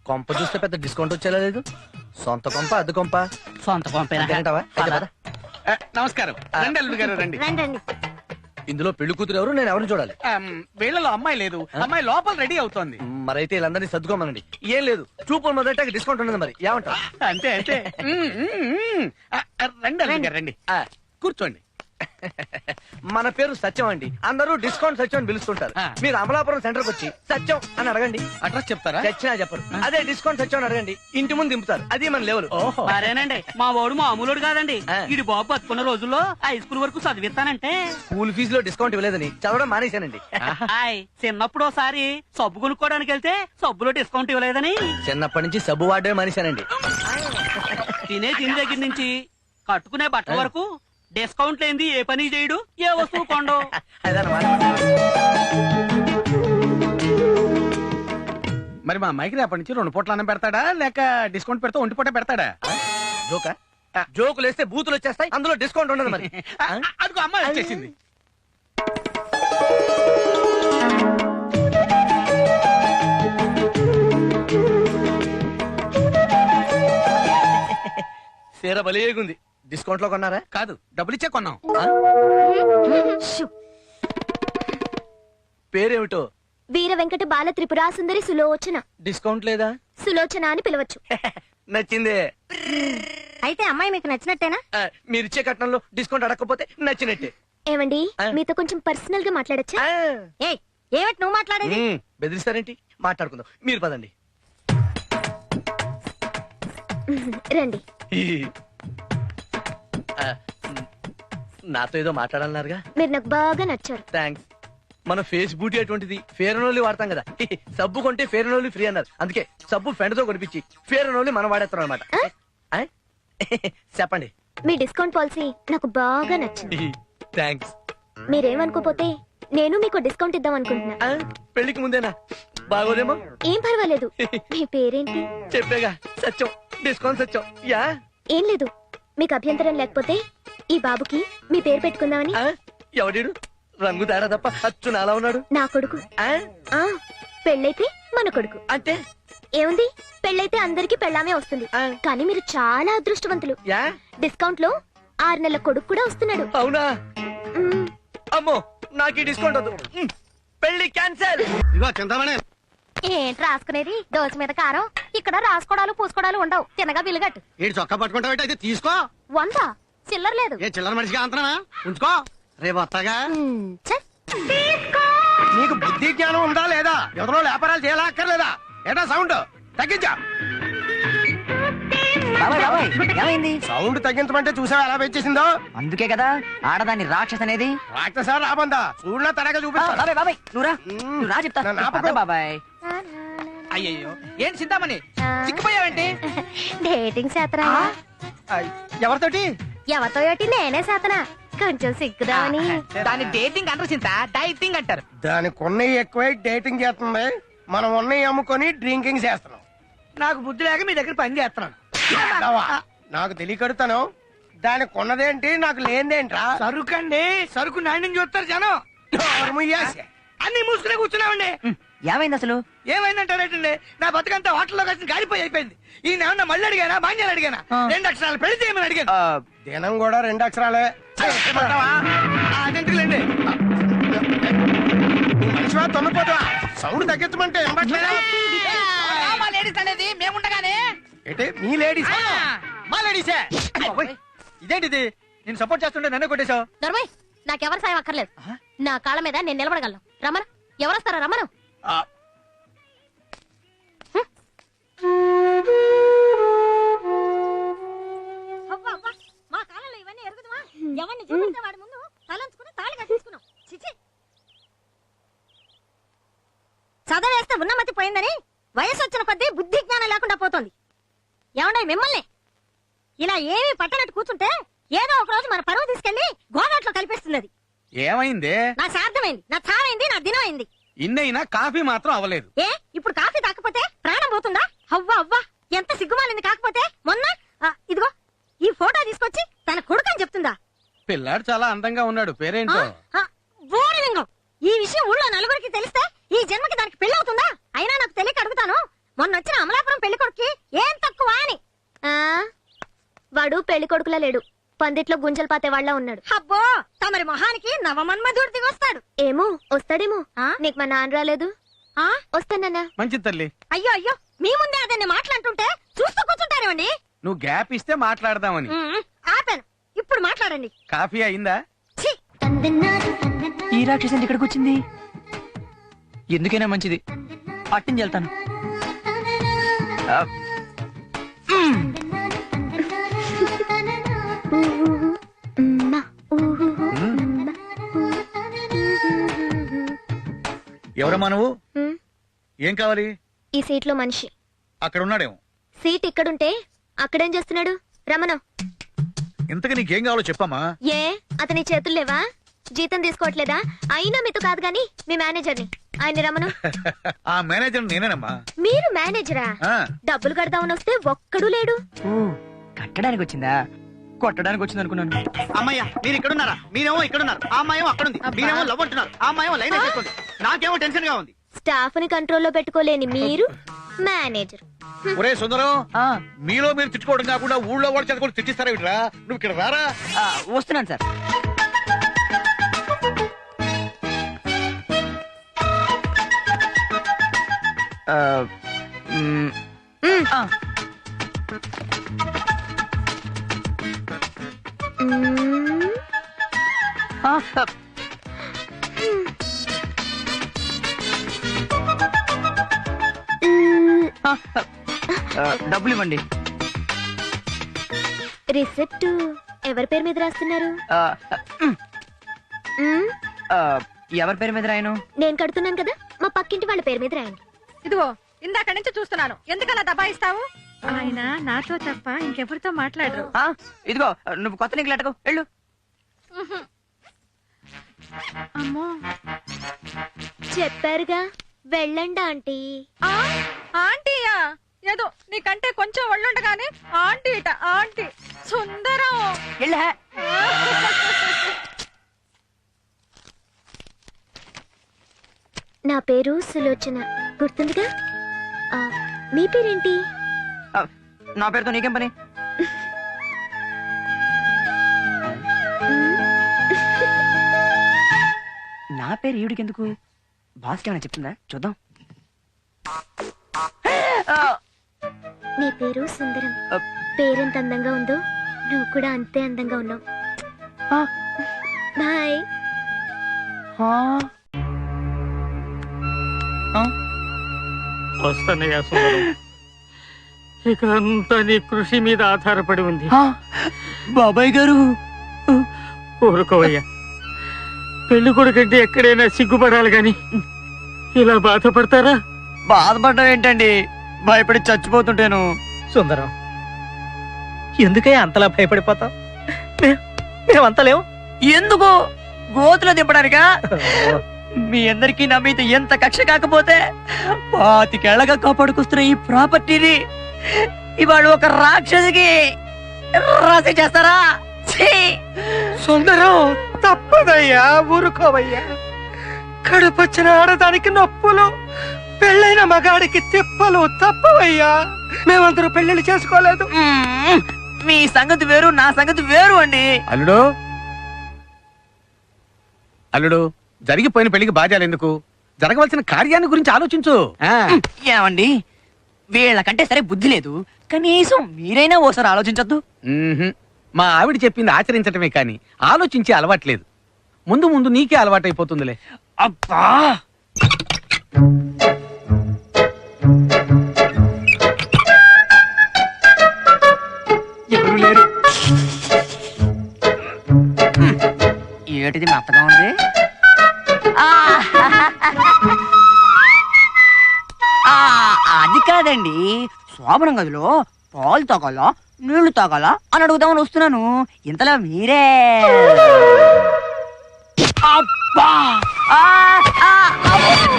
కొంప చూస్తే పెద్ద డిస్కౌంట్ వచ్చేలా లేదు. సొంత కొంప అద్దె కొంప? సొంత కొంపేనంటావా? నమస్కారం. రండి అల్లుడు గారు, రండి. ఇందులో పెళ్లి కూతురు ఎవరు, నేను ఎవరిని చూడాలి? వీళ్ళలో అమ్మాయి లేదు, అమ్మాయి లోపల రెడీ అవుతోంది. మరైతే వీళ్ళందరినీ సర్దుకోమనండి. ఏం లేదు, చూపులు మొదట డిస్కౌంట్ ఉండదు. మరి ఏమంటారు? అంతే అంతే. రండి అల్లుడు గారు, రండి. కూర్చోండి. మన పేరు సత్యం అండి, అందరూ డిస్కౌంట్ సత్యం అని పిలుస్తుంటారు. మీరు అమలాపురం సెంటర్ కి వచ్చి సత్యం అని అడగండి, అడ్రస్ చెప్తారా? చచ్చినా చెప్పరు. అదే డిస్కౌంట్ సత్యం అని అడగండి, ఇంటి ముందు దింపుతారు. అది మన లెవెల్. మరేనండి, మా వాడు మామూలుడు కాదండి. ఇది బాబు బతుకున్న రోజుల్లో హై స్కూల్ వరకు చదివిస్తానంటే స్కూల్ ఫీజులో డిస్కౌంట్ ఇవ్వలేదని చదవడం మానేశానండి. చిన్నప్పుడు ఒకసారి సబ్బు కొనుక్కోవడానికి వెళ్తే సబ్బులో డిస్కౌంట్ ఇవ్వలేదని చిన్నప్పటి నుంచి సబ్బు వాడమే మానేశానండి. తినే తిని దగ్గర నుంచి కట్టుకునే బట్ట వరకు డిస్కౌంట్ లేనిది ఏ పని చేయడు, ఏ వస్తువు కొండు. మరి మా అమ్మాయికి రేపటి నుంచి 2 పూట్ల అన్నం పెడతాడా, లేక డిస్కౌంట్ పెడతా 1 పూట పెడతాడా? జోకా? జోకులు వేస్తే బూతులు వచ్చేస్తాయి, అందులో డిస్కౌంట్ ఉండదు. మరి అదిగో అమ్మాయి వచ్చేసింది. సీర బలిగుంది. డిస్కౌంట్ లో కొన్నారా? కాదు, డబ్బులు ఇచ్చే కొన్నాం. పేరేమిటో? వీర వెంకట బాల త్రిపురా సుందరి సులోచన. డిస్కౌంట్ లేదా? సులోచన అని పిలవచ్చు. నచ్చిందే. అయితే అమ్మాయి మీకు నచ్చినట్టేనా? మీరిచ్చే కట్నంలో డిస్కౌంట్ అడగకపోతే నచ్చినట్టే. ఏమండి, మీతో కొంచెం పర్సనల్ గా మాట్లాడచ్చా? ఏమిటి నువ్వు మాట్లాడేది? బెదిరిస్తారేంటి? మాట్లాడుకుందాం, మీరు పదండి. రండి. నాతో ఏదో మాట్లాడాలన్నారుగా? మీరు నాకు బాగా నచ్చారు. థ్యాంక్స్. మన ఫేస్ బ్యూటీ అటువంటిది, ఫేర్ అండ్ ఓన్లీ వాడతాం కదా. సబ్బు కొంటే ఫేర్ అండ్ ఓన్లీ ఫ్రీ అన్నారు, అందుకే సబ్బు ఫ్రెండ్ తో కొనిపించి ఫేర్ అండ్ ఓన్లీ మనం వాడేస్తాం అనమాట. చెప్పండి. మీ డిస్కౌంట్ పాలసీ నాకు బాగా నచ్చింది. థ్యాంక్స్. మీరేమనుకోపోతే నేను మీకు డిస్కౌంట్ ఇద్దాం అనుకుంటున్నా. పెళ్లికి ముందేనా? బాగోదేమో. ఏం పర్వాలేదు. మీ పేరేంటి? చెప్పేగా, సత్యం. డిస్కౌంట్ సత్యం. యా. ఏం లేదు, మీకు అభ్యంతరం లేకపోతే ఈ బాబుకి మీ పేరు పెట్టుకుందామని. ఎవడీడు? రంగు తేడా తప్ప అచ్చు నాలా ఉన్నాడు. నా కొడుకు. పెళ్ళైతే మన కొడుకు. అంటే ఏముంది, పెళ్ళైతే అందరికి పెళ్ళామే వస్తుంది. కానీ మీరు చాలా అదృష్టవంతులు. డిస్కౌంట్ లో 6 నెలల కొడుకు కూడా వస్తున్నాడు. అవునా? అమ్మో, నాకు ఈ డిస్కౌంట్ వద్దు. పెళ్లి క్యాన్సల్. ఏంటి రాసుకునేది? దోశ మీద కారం. ఇక్కడ రాసుకోవడాలు పూసుకోవడాలు ఉండవు. తినగా బిల్లుగట్టు. ఏంటి చొక్కా పట్టుకుంటావు? అయితే తీసుకో. 100 చిల్లర లేదు. ఏ చిల్లర మనిషిగా అంతనా? ఉంచుకో, రేపు వస్తాగా. నీకు బుద్ధి జ్ఞానం ఉందా లేదా? ఎవరో వ్యాపారాలు చేయాలా అక్కర్లేదా? ఏటా సౌండ్ తగ్గించా. ఏమైంది? సౌండ్ తగ్గించమంటే చూసావా ఎలా పెంచేసిందో? అందుకే కదా ఆడదాన్ని రాక్షస్ అనేది. రాక్షసా రాబందా? చూడలా తడగా చూపిస్తా. బాబాయ్ నువ్వు రా చెప్తా. బాబాయ్ అయ్యయ్యో, ఏంటి చింతామణి చిక్కిపోయావేంటి? డేటింగ్ శాతరా? ఎవరితోటి? ఎవరితో ఏటి? నేనే శాతనా. కొంచెం సిగ్గుదామని. దాన్ని డేటింగ్ అంటారు చింత, డైటింగ్ అంటారు. దానికి ఉన్నవి ఎక్కువై డేటింగ్ చేస్తుంది, మనం ఉన్నవి అమ్ముకొని డ్రింకింగ్ చేస్తున్నాం. నాకు బుద్ధి లేక మీ దగ్గర పని చేస్తున్నాను. నాకు తెలియకడుతాను. దానికి ఉన్నదేంటి, నాకు లేనిదేంట్రా? సరుకండి, సరుకు నాణ్యం చూస్తారు జనం. అన్ని మూసుకునే కూర్చున్నామండి. ఏమైంది అసలు? ఏమైందంటారేటండి? నా బతుకంతా హోటల్లో కలిసి గాలిపోయి అయిపోయింది. ఈయన ఏమన్నా మళ్ళీ అడిగానా, బాంజాలు అడిగానా? 2 అక్షరాలు పెళ్లి చేయమని అడిగాను. దినం కూడా 2 అక్షరాలే. అదేంటిలేండి, మనిషివా తొన్నపోతావా? సౌండ్ తగ్గించమంటే లేడీస్ అనేది మేముండగానే ఏంటి? మీ లేడీస్? మా లేడీసే. ఇదేంటిది? నేను సపోర్ట్ చేస్తుంటే నన్నే కొట్టేశావు. దొరబాయ్, నాకెవరి సాయం అక్కర్లేదు. నా కాళ్ళ మీద నేను నిలబడగలను. రమణ, ఎవరొస్తారా? రమణ. మా కాలంలో ఇవన్నీ ఎరుగుదమా? ఎవరిని చూపిస్తే వాడి ముందు తలంచుకుని తాళి కట్టించుకున్నాం. చిచి, చదవేస్తే ఉన్నమతి పోయిందని వయసు వచ్చిన కొద్దీ బుద్ధి జ్ఞానం లేకుండా పోతుంది. ఏమండే మిమ్మల్ని ఇలా ఏమీ పట్టనట్టు కూర్చుంటే ఏదో ఒక రోజు మన పరువు తీసుకెళ్లి గోదాట్లో కలిపేస్తుంది. ఏమైంది? నా సార్థమైంది, నా చావైంది, నా దినం అయింది. ఇన్నైనా కాఫీ మాత్రం అవ్వలేదు. ఇప్పుడు కాఫీ తాకపోతే ప్రాణం పోతుందా? అవ్వా అవ్వా, ఎంత సిగ్గుమాలింది. కాకపోతే మొన్న ఇదిగో ఈ ఫోటో తీసుకొచ్చి తన కొడుకని చెప్తుందా? పిల్లాడు చాలా అందంగా ఉన్నాడు, పేరేంటో? ఈ విషయం ఊళ్ళో నలుగురికి తెలిస్తే ఈ జన్మకి దానికి పెళ్ళవుతుందా? అయినా నాకు తెలియక అడుగుతాను, మొన్న వచ్చిన అమలాపురం పెళ్లి కొడుక్కి ఏం తక్కువ అని. వాడు పెళ్లి కొడుకులా లేడు, పందిట్లో గుంజలు పాతే వాళ్ళ ఉన్నాడు. అబ్బో తమరి మొహానికి నవమన్మధుడు దిగొస్తాడు. ఏమో వస్తాడేమో. ఆ? నీకు మా నాన్న రాలేదు? ఆ? మంచిది తల్లి. అయ్యో అయ్యో, మీ ముందే అదన్ని మాట్లాడుతుంటే చూస్తూ కూర్చుంటారేమండి. నువ్వు గ్యాప్ ఇస్తే మాట్లాడదామని. ఆపాను, ఇప్పుడు మాట్లాడండి. కాఫీ అయిందా? ఛీ! ఈ రాక్షసి ఇక్కడికి వచ్చింది. ఎందుకైనా మంచిది, పట్టించి వెళ్తాను. ఎవరమ్మా నువ్వు? ఉమ్, ఏం కావాలి? ఈ సీట్లో మనిషి. అక్కడ ఉన్నాడేమో. సీట్ ఇక్కడుంటే అక్కడేం చేస్తున్నాడు? రమణ. ఇంతకు నీకేం కావాలో చెప్పమ్మా. ఏ అతని చేతులు లేవా? జీతం తీసుకోవట్లేదా? అయినా మీతో కాదు గాని మీ మేనేజర్ని, ఆయన రమణ. ఆ మేనేజర్ నేనేనమ్మా. మీరు మేనేజరా? ఆ, డబ్బులు కడదామని వస్తే ఒక్కడు లేడు. కట్టడానికి వచ్చిందా, కొట్టడానికి వచ్చింది అనుకున్నాను. అమ్మయ్య, మీరు ఇక్కడ ఉన్నారా? మీరేమో ఇక్కడ ఉన్నారు, ఆ అమ్మాయేమో అక్కడ ఉంది. మీరేమో లవ్ అంటున్నారు, ఆ అమ్మాయేమో లైన్ వేసేస్తుంది. నాకేమో టెన్షన్ గా ఉంది. స్టాఫ్ ని కంట్రోల్లో పెట్టుకోలేని మీరు మేనేజర్. ఒరే సుందరం, మీలో మీరు తిట్టుకోవడం కాకుండా ఊళ్ళో వాళ్ళు చదువుకొని తిట్టిస్తారా వీటిరా? నువ్వు ఇక్కడ రారా. వస్తున్నాను సార్. మ్మ్. మ్మ్. డబ్బులు ఇవ్వండి. రిసిప్ట్ ఎవరి పేరు మీద రాస్తున్నారు? మ్మ్. ఎవరి పేరు మీద రాయను? నేను కడుతున్నాను కదా, మా పక్కింటి వాళ్ళ పేరు మీద రాయండి. ఇదిగో ఇందాక నుంచి చూస్తున్నాను, ఎందుకలా దబాయిస్తావు? ఆయన నాతో తప్ప ఇంకెవరితో మాట్లాడరు. ఇదిగో నువ్వు కొత్త నీకు లెటకు వెళ్ళు. అమ్మో, చెప్పారుగా వెళ్ళండి ఆంటీ. ఆంటీయా? ఏదో నీకంటే కొంచెం ఒళ్ళుండగానే ఆంటీ ఇట ఆంటీ. సుందరం. వెళ్ళా. నా పేరు సులోచన, గుర్తుందిగా? ఆ, మీ పేరేంటి? నా పేరుతో నీకేం పని? నా పేరు ఈవిడికి ఎందుకు? బాస్కి ఏమైనా చెప్తుందా? చూద్దాం. నీ పేరు సుందరం. పేరెంత అందంగా ఉందో నువ్వు కూడా అంతే అందంగా ఉన్నావు. బాయ్. వస్తానయ్యా సుందరం, ఇక అంతా నీ కృషి మీద ఆధారపడి ఉంది. బాబాయ్ గారు ఊరుకోవయ్యా, పెళ్లి కొడుకంటే ఎక్కడైనా సిగ్గుపడాలి గాని ఇలా బాధపడతారా? బాధపడడం ఏంటండి, భయపడి చచ్చిపోతుంటాను. సుందరం, ఎందుకే అంతలా భయపడిపోతావు? మేమంతా లేవు. ఎందుకు? గోతులో దింపడానికా? మీ అందరికీ నా మీద ఎంత కక్ష కాకపోతే 25 ఏళ్లగా కాపాడుకొస్తున్న ఈ ప్రాపర్టీని ఇవాళ ఒక రాక్షసికి రాసి చేస్తారా? సుందరం, తప్పదయ్యా, ఊరుకోవయ్యా. కడుపొచ్చిన ఆడదానికి నొప్పులు, పెళ్ళైన మగాడికి తిప్పలు తప్పవయ్యా. మేమందరూ పెళ్లిళ్ళు చేసుకోలేదు. మీ సంగతి వేరు, నా సంగతి వేరు అండి. అల్లుడు, అల్లుడు, జరిగిపోయిన పెళ్లికి బాధ్యాలు ఎందుకు? జరగవలసిన కార్యాన్ని గురించి ఆలోచించు. ఏమండి, వీళ్ళకంటే సరే బుద్ధి లేదు, కనీసం మీరైనా ఓసారి ఆలోచించొద్దు. మా ఆవిడ చెప్పింది ఆచరించటమే కాని ఆలోచించే అలవాట్లేదు. ముందు ముందు నీకే అలవాటైపోతుందిలే. అబ్బా, ఎవరు లేరు. ఏటిది మెత్తగా ఉంది. అది కాదండి, శోభనం గదిలో పాలు తాగాలా నీళ్లు తాగాలా అని అడుగుదామని వస్తున్నాను. ఇంతలో మీరే అబ్బా